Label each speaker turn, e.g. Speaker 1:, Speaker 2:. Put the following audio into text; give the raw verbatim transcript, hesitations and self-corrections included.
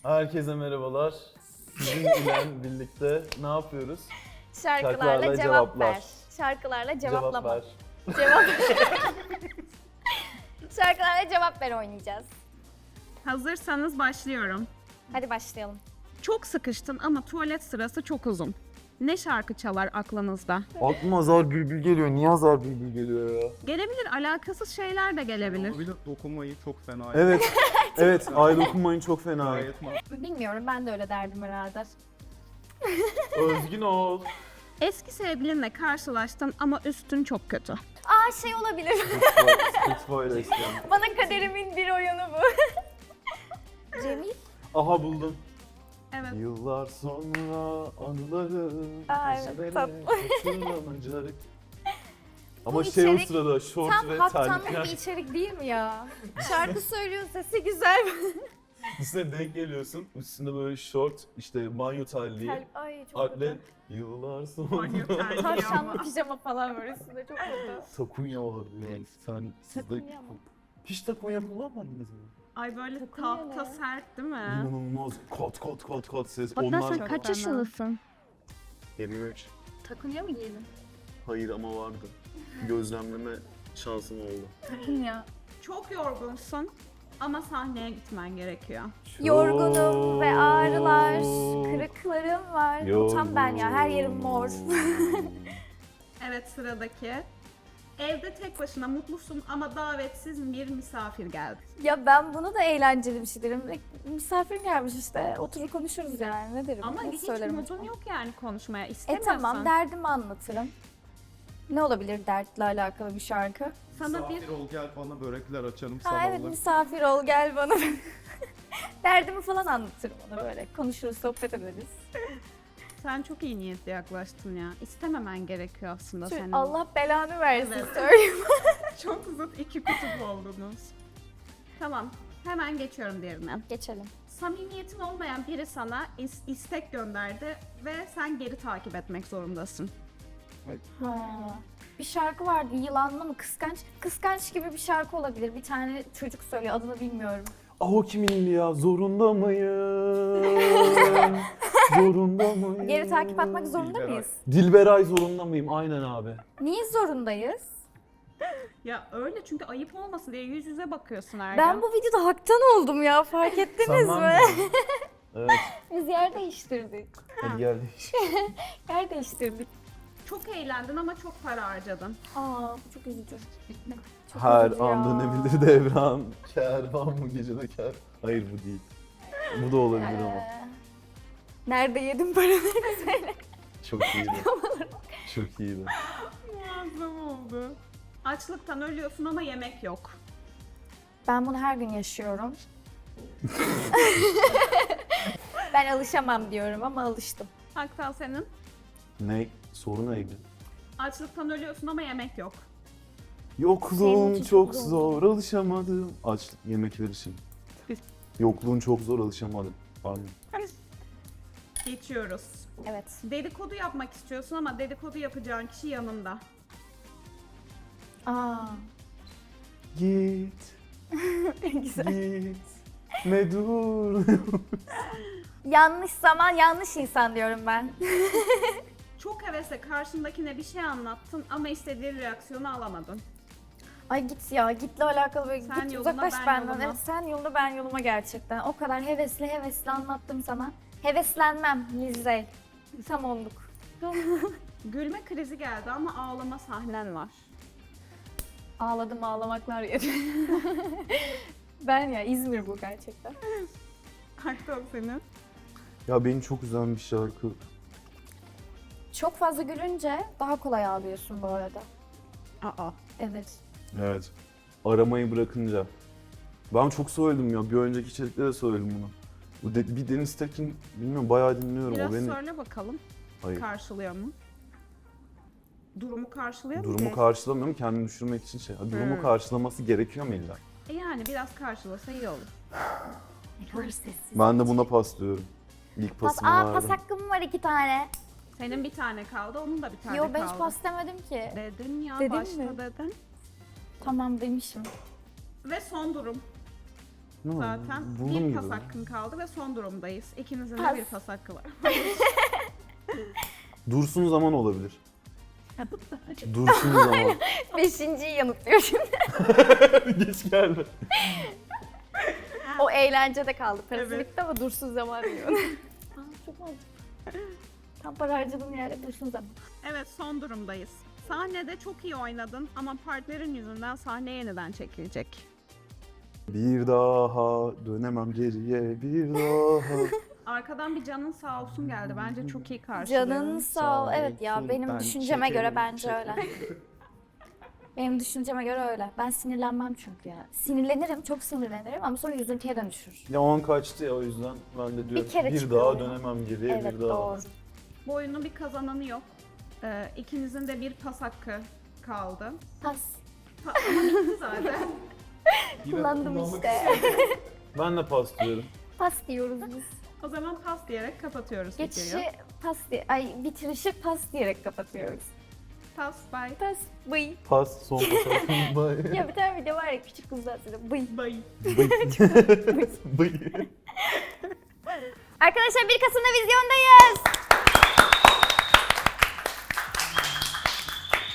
Speaker 1: Herkese merhabalar. Sizinle birlikte ne yapıyoruz?
Speaker 2: Şarkılarla,
Speaker 1: Şarkılarla
Speaker 2: cevap
Speaker 1: cevaplar.
Speaker 2: ver. Şarkılarla cevaplama.
Speaker 1: Cevap ver.
Speaker 2: Cevap Şarkılarla cevap ver oynayacağız.
Speaker 3: Hazırsanız başlıyorum.
Speaker 2: Hadi başlayalım.
Speaker 3: Çok sıkıştın ama tuvalet sırası çok uzun. Ne şarkı çalar aklınızda?
Speaker 1: Aklıma Azar Bülbül geliyor. Niye Azar Bülbül geliyor ya?
Speaker 3: Gelebilir, alakasız şeyler de gelebilir.
Speaker 4: Bir de dokunmayı çok fena.
Speaker 1: Evet. evet. Ay dokunmayın çok fena.
Speaker 4: Gayet mantıklı.
Speaker 2: Bilmiyorum, ben de öyle derdim herhalde.
Speaker 1: Özgün ol.
Speaker 3: Eski sevgilinle karşılaştın ama üstün çok kötü.
Speaker 2: Aa şey olabilir.
Speaker 1: Spitfire istedim.
Speaker 2: Bana kaderimin bir oyunu bu. Cemil.
Speaker 1: Aha buldum.
Speaker 3: Evet.
Speaker 1: Yıllar sonra anıları
Speaker 2: Aa, evet,
Speaker 1: ezbere
Speaker 2: tatlı.
Speaker 1: hatırlanacak. Ama
Speaker 2: Bu
Speaker 1: şey o
Speaker 2: içerik
Speaker 1: sırada şort
Speaker 2: Tam
Speaker 1: ve
Speaker 2: haftanlık
Speaker 1: terlikler.
Speaker 2: bir içerik değil mi ya? Şarkı söylüyor, sesi güzel.
Speaker 1: Üstüne denk geliyorsun. Üstünde böyle şort, işte banyo terliği,
Speaker 2: Tel- Ay çok
Speaker 1: atlet.
Speaker 2: kötü.
Speaker 1: Yıllar
Speaker 3: Banyo
Speaker 1: sonra.
Speaker 3: terliği
Speaker 2: Tavşanlı
Speaker 3: ama.
Speaker 2: pijama falan var üstünde, çok kötü.
Speaker 1: Takunya var yani. Sen sizde
Speaker 2: Takunya mı?
Speaker 1: hiç takunya kullanmadınız mı?
Speaker 3: Ay böyle
Speaker 2: Takılıyor
Speaker 3: tahta
Speaker 2: ne?
Speaker 3: sert değil mi?
Speaker 1: İnanılmaz kot kot kot kot ses.
Speaker 3: Hatta
Speaker 1: Onlar
Speaker 3: sen kaç yaşındasın?
Speaker 1: yirmi üç.
Speaker 2: Takunya mı giydin?
Speaker 1: Hayır ama vardı. Gözlemleme şansım oldu.
Speaker 2: Takunya.
Speaker 3: Çok yorgunsun ama sahneye gitmen gerekiyor.
Speaker 2: Yorgunum ve ağrılar, kırıklarım var. Bu tam ben ya, her yerim mor.
Speaker 3: Evet, sıradaki. Evde tek başına mutlusun ama davetsiz bir misafir geldi.
Speaker 2: Ya ben bunu da eğlenceli bir şey derim. Misafir gelmiş işte, oturur konuşuruz yani, ne derim?
Speaker 3: Ama
Speaker 2: ne
Speaker 3: hiç
Speaker 2: söylerim
Speaker 3: modun
Speaker 2: acaba?
Speaker 3: yok yani konuşmaya.
Speaker 2: E
Speaker 3: İstemiyorsan.
Speaker 2: tamam, derdimi anlatırım. Ne olabilir dertle alakalı bir şarkı?
Speaker 3: Sana bir
Speaker 4: Misafir ol gel bana börekler açarım
Speaker 2: Ha
Speaker 4: sabahları.
Speaker 2: evet, misafir ol gel bana. Derdimi falan anlatırım ona böyle. Konuşuruz, sohbet ederiz.
Speaker 3: Sen çok iyi niyetli yaklaştın ya. İstememen gerekiyor aslında
Speaker 2: Şöyle,
Speaker 3: senin.
Speaker 2: Allah belanı versin
Speaker 3: Evet.
Speaker 2: söyleyeyim.
Speaker 3: Çok zıt iki kutup oldunuz. Tamam, hemen geçiyorum diğerine.
Speaker 2: Geçelim.
Speaker 3: Samimiyetin olmayan biri sana is- istek gönderdi ve sen geri takip etmek zorundasın.
Speaker 2: Ha. Bir şarkı vardı, yılanlı mı, kıskanç? Kıskanç gibi bir şarkı olabilir. Bir tane çocuk söylüyor, adını bilmiyorum.
Speaker 1: Ah o kimin ya? Zorunda mıyım? Zorunda mıyım?
Speaker 2: Geri takip atmak zorunda
Speaker 4: Dilberay.
Speaker 2: mıyız?
Speaker 1: Dilberay zorunda mıyım? Aynen abi.
Speaker 2: Niye zorundayız?
Speaker 3: Ya öyle, çünkü ayıp olmasın diye yüz yüze bakıyorsun her
Speaker 2: Ben
Speaker 3: gün.
Speaker 2: bu videoda haktan oldum ya, fark ettiniz
Speaker 1: Sanmam
Speaker 2: mi?
Speaker 1: ya. Evet.
Speaker 2: Biz yer değiştirdik.
Speaker 1: Hadi gel değiş.
Speaker 2: Yer değiştirdik.
Speaker 3: Çok eğlendin ama çok para harcadın.
Speaker 2: Aa, bu çok üzücü. Çok
Speaker 1: Her
Speaker 2: üzücü
Speaker 1: anda
Speaker 2: ya.
Speaker 1: ne bilir devran. Kervan bu gecede ker. Hayır bu değil. Bu da olabilir ama.
Speaker 2: Ee, Nerede yedim paraları söyle.
Speaker 1: Çok iyiydi. Çok iyiydi.
Speaker 3: Muazzam oldu. Açlıktan ölüyorsun ama yemek yok.
Speaker 2: Ben bunu her gün yaşıyorum. Ben alışamam diyorum ama alıştım.
Speaker 3: Haktan senin.
Speaker 1: Ne? Soru neydi?
Speaker 3: Açlıktan ölüyorsun ama yemek yok.
Speaker 2: Senin
Speaker 1: Yokluğun
Speaker 2: için
Speaker 1: çok
Speaker 2: çok zor.
Speaker 1: zor, alışamadım. Aç yemekler için.
Speaker 3: Biz-
Speaker 1: Yokluğun çok zor, alışamadım. Pardon.
Speaker 3: Geçiyoruz.
Speaker 2: Evet.
Speaker 3: Dedikodu yapmak istiyorsun ama dedikodu yapacağın kişi yanında.
Speaker 2: Aa,
Speaker 1: Git,
Speaker 2: güzel.
Speaker 1: git. Ne dur.
Speaker 2: Yanlış zaman, yanlış insan diyorum ben.
Speaker 3: Çok hevesle karşındakine bir şey anlattın ama istediğin reaksiyonu alamadın.
Speaker 2: Ay git ya, gitle alakalı böyle
Speaker 3: Sen
Speaker 2: git
Speaker 3: yoluna,
Speaker 2: uzaklaş
Speaker 3: ben
Speaker 2: benden.
Speaker 3: yoluma.
Speaker 2: Evet, sen yoluna ben yoluma gerçekten. O kadar hevesli hevesli anlattım sana. Heveslenmem Lizey. Tam olduk.
Speaker 3: Gülme krizi geldi ama ağlama sahnen var.
Speaker 2: Ağladım, ağlamaklar yeri. Ben ya, İzmir bu gerçekten.
Speaker 3: Haktan senin.
Speaker 1: Ya beni çok üzen bir şarkı.
Speaker 2: Çok fazla gülünce daha kolay ağlıyorsun bu arada.
Speaker 3: Aa.
Speaker 2: Evet.
Speaker 1: Evet. Aramayı bırakınca. Ben çok söyledim ya. Bir önceki içerikte de söyledim bunu. Bu de, bir Deniz Tekin, bilmiyorum bayağı dinliyorum.
Speaker 3: Biraz
Speaker 1: o beni...
Speaker 3: söyle bakalım.
Speaker 1: Hayır.
Speaker 3: Karşılıyor mu? Durumu karşılıyor mu?
Speaker 1: Durumu
Speaker 3: ki?
Speaker 1: karşılamıyorum, kendimi düşürmek için şey. Ha, Durumu
Speaker 3: Hmm.
Speaker 1: karşılaması gerekiyor mu illa?
Speaker 3: E yani biraz karşılasa iyi olur.
Speaker 2: Ne kadar sessiz.
Speaker 1: Ben de buna pas diyorum. İlk
Speaker 2: Pas,
Speaker 1: pasımı
Speaker 2: aa, pas
Speaker 1: verdim.
Speaker 2: hakkım var iki tane.
Speaker 3: Senin bir tane kaldı, onun da bir tane
Speaker 2: Yo,
Speaker 3: kaldı.
Speaker 2: ben hiç pas demedim ki.
Speaker 3: Dedin ya,
Speaker 2: Dedim
Speaker 3: başta
Speaker 2: mi?
Speaker 3: dedin.
Speaker 2: Tamam demişim.
Speaker 3: Ve son durum.
Speaker 1: Ne oldu?
Speaker 3: zaten.
Speaker 1: Buldum
Speaker 3: bir
Speaker 1: gibi.
Speaker 3: pas hakkın kaldı ve son durumdayız. İkinizin
Speaker 2: Pas.
Speaker 3: de bir pas hakkı var.
Speaker 1: Dursun zaman olabilir. Dursun zaman.
Speaker 2: Beşinciyi yanıtlıyor şimdi.
Speaker 1: Geç geldi.
Speaker 2: O eğlencede kaldı. Parası
Speaker 3: Evet.
Speaker 2: bitti ama dursun zaman diyor. Aa, çok mantıklı. Tam para harcadığım yerde dursun zaman.
Speaker 3: Evet, son durumdayız. Sahnede çok iyi oynadın ama partnerin yüzünden sahne yeniden çekilecek.
Speaker 1: Bir daha dönemem geriye bir daha.
Speaker 3: Arkadan bir canın sağ olsun geldi. Bence çok iyi karşılıyor.
Speaker 2: Canın sağ ol.
Speaker 4: Sağ
Speaker 2: Evet ya
Speaker 4: olsun,
Speaker 2: benim
Speaker 4: ben
Speaker 2: düşünceme göre
Speaker 4: çekerim,
Speaker 2: bence
Speaker 4: çekerim.
Speaker 2: öyle. Benim düşünceme göre öyle. Ben sinirlenmem çünkü ya. Sinirlenirim, çok sinirlenirim ama sonra üzüntüye dönüşür.
Speaker 1: Ya on kaçtı ya o yüzden ben de diyorum
Speaker 2: kere
Speaker 1: bir
Speaker 2: çıkıyor
Speaker 1: daha
Speaker 2: ya.
Speaker 1: dönemem geriye
Speaker 2: Evet
Speaker 1: bir daha.
Speaker 2: doğru.
Speaker 3: Bu oyunun bir kazananı yok. Ee, ikinizin de bir pas hakkı kaldı.
Speaker 2: Pas.
Speaker 3: Pa- ama bitti zaten.
Speaker 2: Kullandım işte.
Speaker 1: Ben de pas diyorum.
Speaker 2: Pas diyoruz biz.
Speaker 3: O zaman pas diyerek kapatıyoruz
Speaker 2: Geçişi
Speaker 3: videoyu.
Speaker 2: pas diye, ay bitirişi pas diyerek kapatıyoruz.
Speaker 3: Pas, bye.
Speaker 2: Pas, bıy.
Speaker 1: Pas son pas. Bye.
Speaker 2: Ya bir tane video var ya küçük kızlar söylüyor. Bıy.
Speaker 3: Bye.
Speaker 1: Bıy. Bıy.
Speaker 2: Arkadaşlar bir Kasım'da vizyondayız.